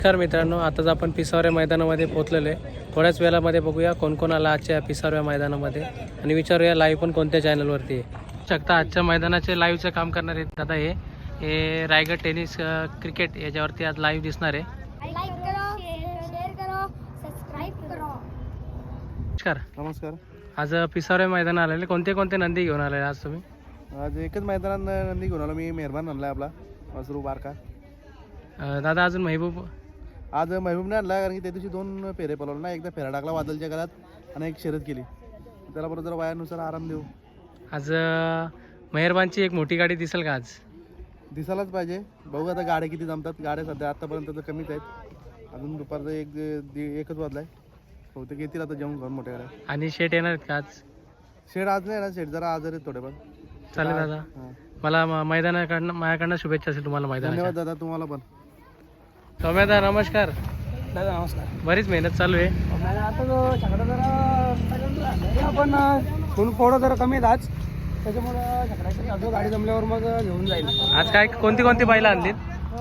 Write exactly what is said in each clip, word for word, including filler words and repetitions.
नमस्कार मित्रांनो, आताच आपण पिसावऱ्या मैदानामध्ये पोहोचलेलो आहे. थोड्याच वेळामध्ये बघूया कोण कोण आला आजच्या पिसावऱ्या मैदानामध्ये आणि विचारूया लाईव्ह पण कोणत्या चॅनलवरती आहे. शकता आजच्या मैदानाचे लाईव्हचं काम करणार आहेत दादा. हे हे रायगड टेनिस क्रिकेट याच्यावरती आज लाईव्ह दिसणार आहे. लाईक करो, शेअर करो, सबस्क्राइब करो. नमस्कार. नमस्कार. आज पिसावऱ्या मैदान आलेले कोणते कोणते नंदी घेऊन आले आज तुम्ही? आज एकच मैदानात नंदी घेऊन आलो मी. मेहरबान आणला आपला वासरू बारका. अं, दादा अजून महबूब आज महबूबने आणला कारण की त्या दिवशी दोन फेरे पलवले ना. एकदा फेरा टाकला वादलच्या घरात आणि एक शर्यत केली. त्याला बरोबर जरा वयानुसार आराम देऊ. आज अं, मेहरबानची एक मोठी गाडी दिसेल का आज? दिसायलाच पाहिजे. बघू आता गाड्या किती जमतात. गाड्या सध्या आतापर्यंत तर कमीच आहेत. अजून दुपारचं एक दि- एकच वाजलाय. बहुतेक येतील आता जेवण घेऊन मोठ्या गाड्या. आणि शेट येणार आहेत का आज? शेड आज नाही ना. शेड जरा आजार आहेत थोडेफार. चालेल दादा. हां. मला म- मैदानाकडनं माझ्याकडनं शुभेच्छा असेल तुम्हाला मैदानाच्या. धन्यवाद दादा तुम्हाला पण. सौम्यदा नमस्कार. दादा नमस्कार. बरीच मेहनत चालू आहे. आता जो छकडा जरा आपण फुल फोडं जरा कमी आहेत आज. त्याच्यामुळं छकड्याची अजून गाडी जमल्यावर मग घेऊन जाईल. आज काय कोणती कोणती बैलं आणलीत?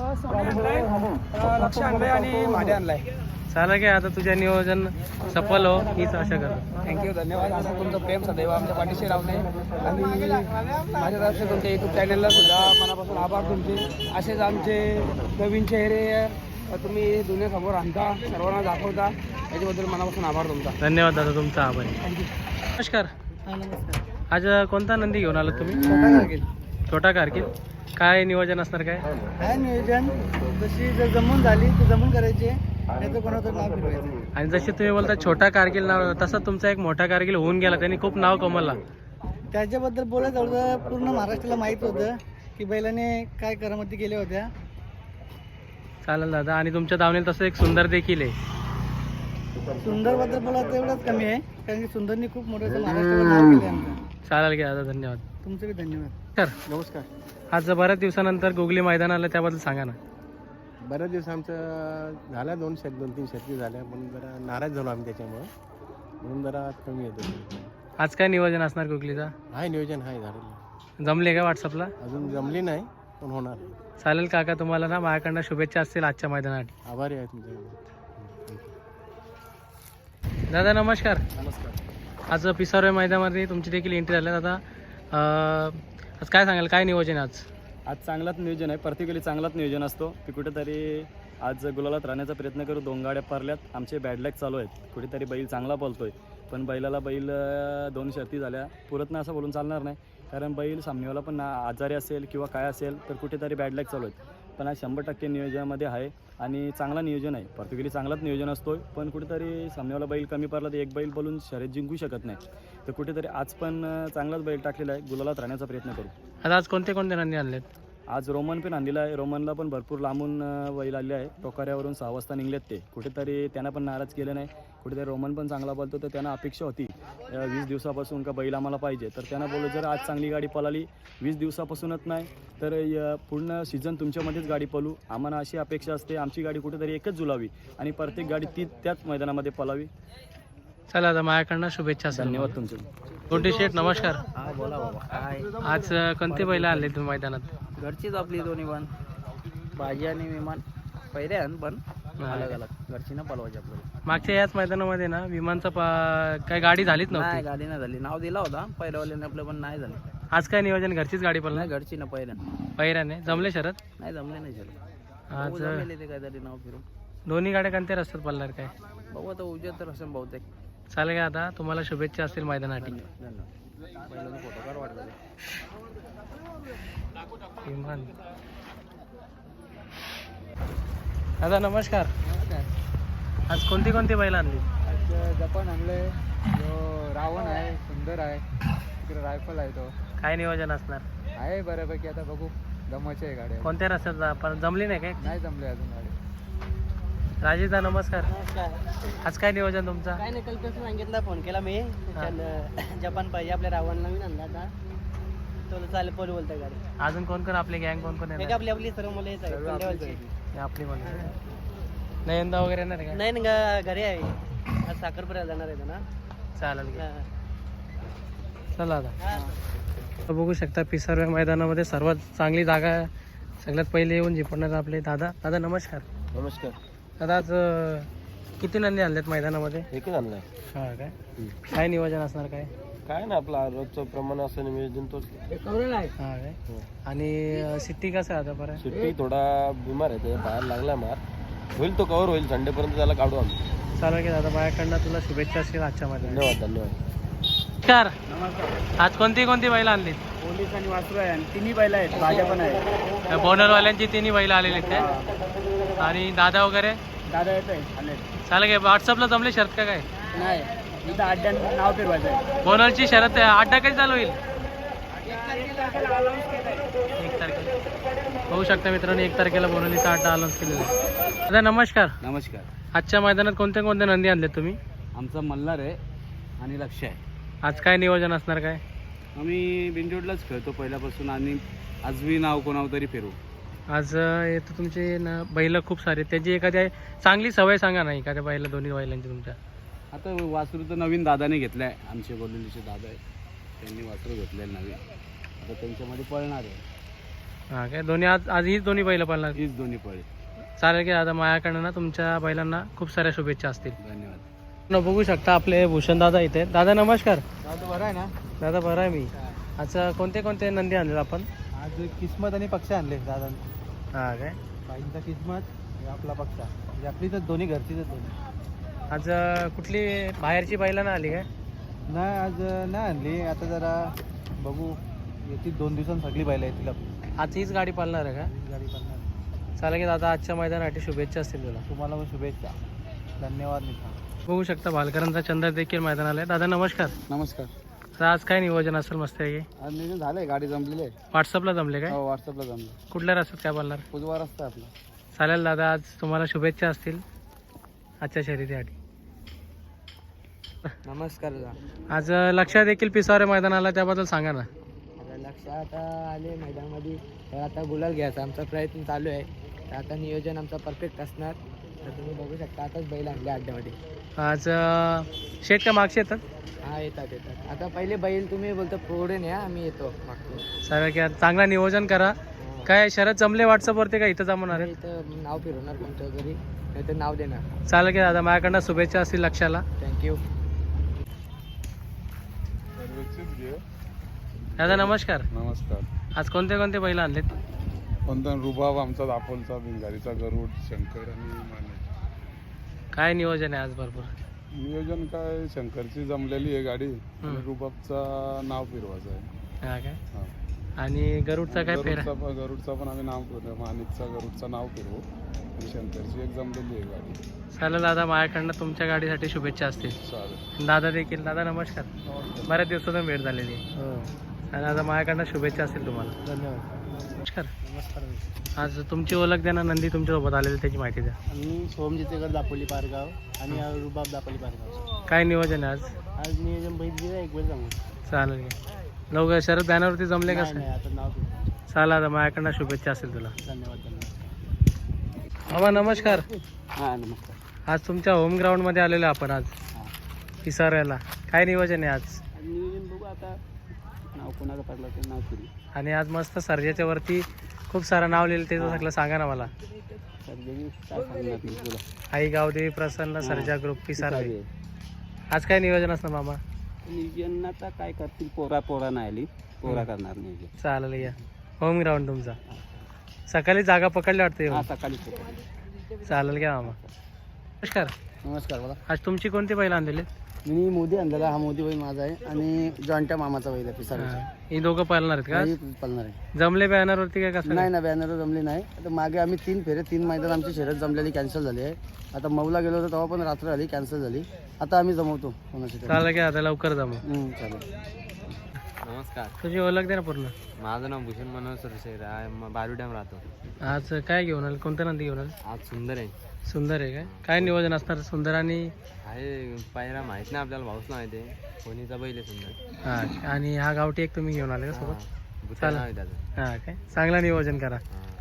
लक्ष आणलंय आणि भाडे आणलाय. चालेल काय आता तुझ्या नियोजन सफल हो हीच आशा करतो. थँक्यू, धन्यवाद. असं तुमचं प्रेम सदैव आमच्या पाठीशी राहू नये. आणि माझ्या तर्फे तुमच्या यूट्यूब चॅनलला सुद्धा मनापासून आभार तुमचे. असेच आमचे नवीन चेहरे तुम्ही दुनियासमोर आणता, सर्वांना दाखवता, याच्याबद्दल मनापासून आभार तुमचा. धन्यवाद दादा तुमचा आभार. थँक्यू. नमस्कार. नमस्कार. आज कोणता नंदी घेऊन आलात तुम्ही? छोटा कारकील. छोटा कारकील. काय नियोजन असणार काय? काय नियोजन जशी जर जमून झाली तर जमून करायची. नाही तर कोणाचं नाव फिरवायचं. आणि जसे तुम्ही बोलता छोटा कारगिल नाव, तसा तुमचा एक मोठा कारगिल होऊन गेला, त्यांनी खूप नाव कमवला. त्याच्याबद्दल बोलायचं होतं. पूर्ण महाराष्ट्राला माहीत होतं की बैलाने काय करामती केल्या होत्या. चालेल दादा. आणि तुमच्या दावणीला तसं एक सुंदर देखील आहे. सुंदर बद्दल बोलायचं एवढंच कमी आहे कारण की सुंदरनी खूप मोठं महाराष्ट्रावर नाव केले आमचं. चालेल की दादा. धन्यवाद. तुमचे बी धन्यवाद. सर नमस्कार. आज बऱ्याच दिवसानंतर गुगली मैदान आलं, त्याबद्दल सांगा ना. बऱ्याच दिवस आमचं झाल्या दोन शेत दोन तीन शेती झाल्या पण जरा नाराज झालो आम्ही त्याच्यामुळं, म्हणून जरा कमी येतो. आज काय नियोजन असणार गुगलीचा? हाय नियोजन आहे झालेलं. जमले का व्हॉट्सअपला? अजून जमली नाही पण होणार. चालेल काका. तुम्हाला ना माझ्याकडनं शुभेच्छा असतील आजच्या मैदानासाठी. आभारी आहे तुमच्या. दादा नमस्कार. नमस्कार. आज पिसावऱ्या मैदानामध्ये तुमची देखील एंट्री झाली दादा. अं, आज काय सांगाल, काय नियोजन आहे आज? आज चांगलाच नियोजन आहे. प्रत्येकाला चांगलाच नियोजन असतो. की कुठेतरी आज गुलालात राहण्याचा प्रयत्न करू. दोन गाड्या पारल्यात. आमचे बॅडलॅक चालू आहेत. कुठेतरी बैल चांगला पळतोय पण बैलाला बैल दोन शर्ती झाल्या पुरत नाही असं बोलून चालणार नाही. कारण बैल सामनेवाला पण आजारी असेल किंवा काय असेल तर कुठेतरी बॅडलॅक चालू आहेत. पण आज शंभर टक्के नियोजनामध्ये आहे आणि चांगला नियोजन आहे. प्रत्येकाला चांगलाच नियोजन असतो पण कुठेतरी सामनेवाला बैल कमी पडला तर एक बैल बोलून शर्यत जिंकू शकत नाही. तर कुठेतरी आज पण चांगलाच बैल टाकलेला आहे. गुलालात राहण्याचा प्रयत्न करू. आता आज कोणते कोणते नंदी आणलेत? आज रोमन पण आणलेला आहे. रोमनला पण भरपूर लांबून बैल आले आहे. टोकाऱ्यावरून सहा वाजता निघलेत ते. कुठेतरी त्यांना पण नाराज केलं नाही. कुठेतरी रोमन पण चांगला बोलतो तर त्यांना अपेक्षा होती वीस दिवसापासून का बैल आम्हाला पाहिजे. तर त्यांना बोललो जर आज चांगली गाडी पळाली वीस दिवसापासूनच नाही तर पूर्ण सीझन तुमच्यामध्येच गाडी पळू. आम्हाला अशी अपेक्षा असते आमची गाडी कुठेतरी एकच जुलावी आणि प्रत्येक गाडी ती त्याच मैदानामध्ये पळावी. चला आता माझ्याकडनं शुभेच्छा असेल. धन्यवाद तुमचे. कोणते शेठ नमस्कार. हा बोला बाबा. काय आज अं, कोणते बैल आणले तुम्ही मैदानात? घरचीच आपली दोन्ही पण भाजी आणि विमान पहिले आहे पण अलग अलग घरची ना पलवायची आपल्याला. मागच्या याच मैदानामध्ये ना विमानचा पा- काय गाडी झालीच नाही नव्हती. गाडी नाही झाली. नाव दिला होता पहिल्यावाल्याने आपलं पण नाही झालं. आज काय नियोजन? घरचीच गाडी पडला नाही घरची ना पहिल्या पहिऱ्याने जमले शरद. नाही जमले नाही झालं. आज बघू जमेल ते काहीतरी नाव फिरून. दोन्ही गाड्या कोणत्या रस्त्यात पडणार काय? बघू आता उद्या तर असं बहुतेक. चालेल का आता तुम्हाला शुभेच्छा असतील मैदानासाठी. धन्यवाद. पहिल्यांदा फोटो काढ वाटतं. विमान. दादा नमस्कार. आज कोणती कोणती बैल आणली? आज जपान आणलंय. जो रावण आहे, सुंदर आहे. तिकडे रायफल आहे. तो काय नियोजन असणार? आहे बऱ्यापैकी. आता बघू. जमायची आहे गाड्या. कोणत्या रस्त्यात आपण जमली नाही काय? नाही जमले अजून गाडी. राजेशदा नमस्कार. आज काय नियोजन तुमचा? काय नाही, काल कसं सांगितलं फोन केला मी. जपान पाहिजे आपल्या रावणला मी आणला आता. तो चालेल पोल बोलतोय गाडी. अजून कोण कोण आपले गँग कोण कोण हे येणार? का आपली आपली सर्व मुलं येत आहे पंड्यावरची. हे आपली म्हणा नयनदा वगैरे येणार का? नाही ना घरी आहे. आज साखरपुड्याला जाणार आहे ना. चालेल की. हा. चला आता तर बघू शकता पिसारव्या मैदानामध्ये सर्वात चांगली जागा सगळ्यात पहिले येऊन झिपडणार आपले दादा. दादा नमस्कार. नमस्कार. दादा आज अं, किती नंदी आणल्यात मैदानामध्ये? एकच आणलाय. हा काय काय नियोजन असणार काय? काय ना आपला रोजचं प्रमाण असं नियोजन तोच. हा काय आणि अं, सिट्टी कसं आहे आता बरं? शेट्टी थोडा बिमार आहे, ते बाहेर लागला मार. होईल तो कव्हर होईल, संडेपर्यंत त्याला काढू आम्ही. चालेल की दादा, माझ्याकडनं तुला शुभेच्छा असतील आजच्या मध्ये. धन्यवाद धन्यवाद. नमस्कार. आज कोणती कोणती बैल आणली? पोलीस आणि वासरू आहे आणि तिन्ही बैल आहेत, भाज्या पण आहे. बोनरवाल्यांची तिन्ही बैल आलेली आहेत काय? आणि दादा वगैरे दादा येत आहे आले चालेल काय? व्हॉट्सअपला जमले शर्त का काय? नाही, इथं अड्ड्यान नाव फिरवायचं आहे. बोनरची शरत अड्डा कधी चालू होईल? एक तारखेला होऊ शकता मित्रांनो, एक तारखेला बोनलीचा अड्डा अनाऊन्स केलेला आहे. दादा नमस्कार. नमस्कार. आजच्या मैदानात कोणते कोणते नंदी आणले तुम्ही? आमचा मल्हार आहे आणि लक्ष आहे. आज काय नियोजन असणार काय? आम्ही बिंजोडलाच खेळतो पहिल्यापासून आणि आज मी नाव कोणावर तरी फिरू. आज अं, येतं तुमचे ना बैल खूप सारे, त्याची एखादी चांगली सवय सांगा ना एखाद्या बैला, दोन्ही बैलांची तुमच्या. आता वासरू तर नवीन दादाने घेतलं आहे, आमचे बोललेलीचे दादा आहे, त्यांनी वासरू घेतलेलं नवीन. आता त्यांच्यामध्ये पळणार आहे. हां काय दोन्ही आज आज हीच दोन्ही बैल पाळणार? हीच दोन्ही पळे. चालेल की दादा, माझ्याकडनं ना तुमच्या बैलांना खूप साऱ्या शुभेच्छा असतील. धन्यवाद. न बघू शकता आपले भूषण दादा इथे. दादा नमस्कार. दादा बरं आहे ना? दादा बरं आहे मी. अच्छा कोणते कोणते नंदी आणले आपण? आज किस्मत आणि पक्ष आणले दादा. हां काय बाईंचा किस्मत आणि आपला पक्ष म्हणजे आपली तर दोन्ही घरचीच दोन्ही. आज अं, कुठली बाहेरची बैला ना आली काय? नाही, आज नाही आणली. आता जरा बघू, येतील दोन दिवसांत सगळी बैल येतील आपली. आज हीच गाडी पाळणार आहे का? गाडी करणार. चालेल की दादा, आजच्या मैदानासाठी शुभेच्छा असतील तुला. तुम्हाला पण शुभेच्छा. धन्यवाद मित्र. बघू शकता भालकरांचा चंद्र देखील मैदानाला आहे. दादा नमस्कार. नमस्कार. तर आज काय नियोजन असेल मस्त आहे? आज नियोजन झालंय, गाडी जमलेली आहे. व्हॉट्सअपला जमले काय? हो, व्हॉट्सअपला जमलं. कुठल्या रस्त्यात काय बोलणार? उजवा रस्ता आहे आपला. चालेल दादा, आज तुम्हाला शुभेच्छा असतील आजच्या शर्यतीसाठी. नमस्कार दादा. आज अं, लक्षात देखील पिसावरे मैदानाला, त्याबद्दल सांगा ना. आता लक्षात आले मैदानामध्ये, तर आता गुलाल घ्यायचा आमचा प्रयत्न चालू आहे. तर आता नियोजन आमचा परफेक्ट असणार. तर तुम्ही बघू शकता, आताच बैल आणले अड्ड्यामध्ये. आज अं, शेट का मागचे येतात? हा येतात येतात. आता पहिले बैल तुम्ही बोलतो पुढे न्या, आम्ही येतो मागतो. चालेल की आज चांगला नियोजन करा. काय शरद जमले व्हॉट्सअपवरती का इथं जमणार आहे? इथं नाव फिरवणार कोणत्या तरी, नाही तर नाव देणार. चालेल की दादा, माझ्याकडनं शुभेच्छा असतील लक्षाला. थँक्यू. दादा नमस्कार. नमस्कार. आज कोणते कोणते बैल आणलेत? कोणता रुबाब आमचा, दापोलचा, बिंगारीचा, गरुड, शंकर आणि माने. काय नियोजन आहे आज? भरपूर नियोजन काय, शंकरची जमलेली आहे गाडी आणि रुबाबचा नाव फिरवायचं आहे. हा काय हा. आणि गरुडचा काय फेरा? गरुडचा पण गरुडचा पण आम्ही नाव फिरवू, माणिकचा गरुडचा नाव फिरवू आणि शंकरची एक जमलेली आहे गाडी. चालेल दादा, माझ्याकडनं तुमच्या गाडीसाठी शुभेच्छा असतील. चालेल. दादा देखील. दादा नमस्कार. बऱ्याच दिवसातून भेट झालेली आहे. आणि दादा माझ्याकडनं शुभेच्छा असतील तुम्हाला. धन्यवाद. नमस्कार. नमस्कार. आज तुमची ओळख द्या ना, नंदी तुमच्यासोबत आलेली त्याची माहिती द्या. मी सोहम जितेकर, दापोली पारगाव आणि रुबाब दापोली पारगाव. काय नियोजन आहे आज? आज नियोजन बैल एक बैल सांगू. चालेल की लवकर शरद बॅनरवरती जमले का? नाही, आता नाव फिरवू. चालेल दादा, माझ्याकडनं शुभेच्छा असेल तुला. धन्यवाद. धन्यवाद. बाबा नमस्कार. हां नमस्कार. आज तुमच्या होम ग्राउंडमध्ये आलेलो आपण आज पिसाऱ्याला. काय नियोजन आहे आज? नियोजन बघू आता, नाव कोणाचं पडलं ते नाव फिरू. आणि आज मस्त सर्जाच्या वरती खूप सारं नाव लिहिलं, ते सगळं सांगा ना मला. सर्जेनी काय सांगणार मी तुला. आई गावदेवी प्रसन्न सर्जा ग्रुप पिसारे. आज काय नियोजन असणार मामा? नियोजन आता काय करतील, पोरा पोरा नाही आली, पोरा करणार नियोजन. चालेल या. होम ग्राउंड तुमचा. सकाळी जागा पकडली वाटते. हां सकाळी. चालेल घ्या मामा. नमस्कार. नमस्कार बोला. आज तुमची कोणती बैल आणलेली? मी मोदी आणलेला, हा मोदी बैल माझा आहे आणि जॉईंटच्या मामाचा बैल आहे पिसारा. ही दोघं पाळणार आहेत का? पळणार आहे. जमले बॅनरवरती काय कसं? नाही ना, बॅनर जमली नाही. आता मागे आम्ही तीन फेरे तीन मैदान आमची शर्यत जमलेली कॅन्सल झाली आहे. आता मऊला गेलो होतो तेव्हा पण रात्र आली, कॅन्सल झाली. आता आम्ही जमवतो कोणाची. चालेल घ्या, आता लवकर जमू. चालेल. नमस्कार. तुझी ओळख दे ना पूर्ण. माझं नाव भूषण मनोहर सरशेर आहे, बारू डॅम राहतो. आज काय घेऊन आलं? कोणतं नंदी घेऊन आलं? आज सुंदर आहे. सुंदर आहे काय? काय नियोजन असणार सुंदर आणि? आहे पायरा माहीत नाही आपल्याला, भाऊच नाही ते कोणीचा बैल आहे सुंदर. हा आणि हा गावठी एक तुम्ही घेऊन आले का सोबत? भूषण नाव आहे त्याचं. हा काय चांगला नियोजन करा. हां.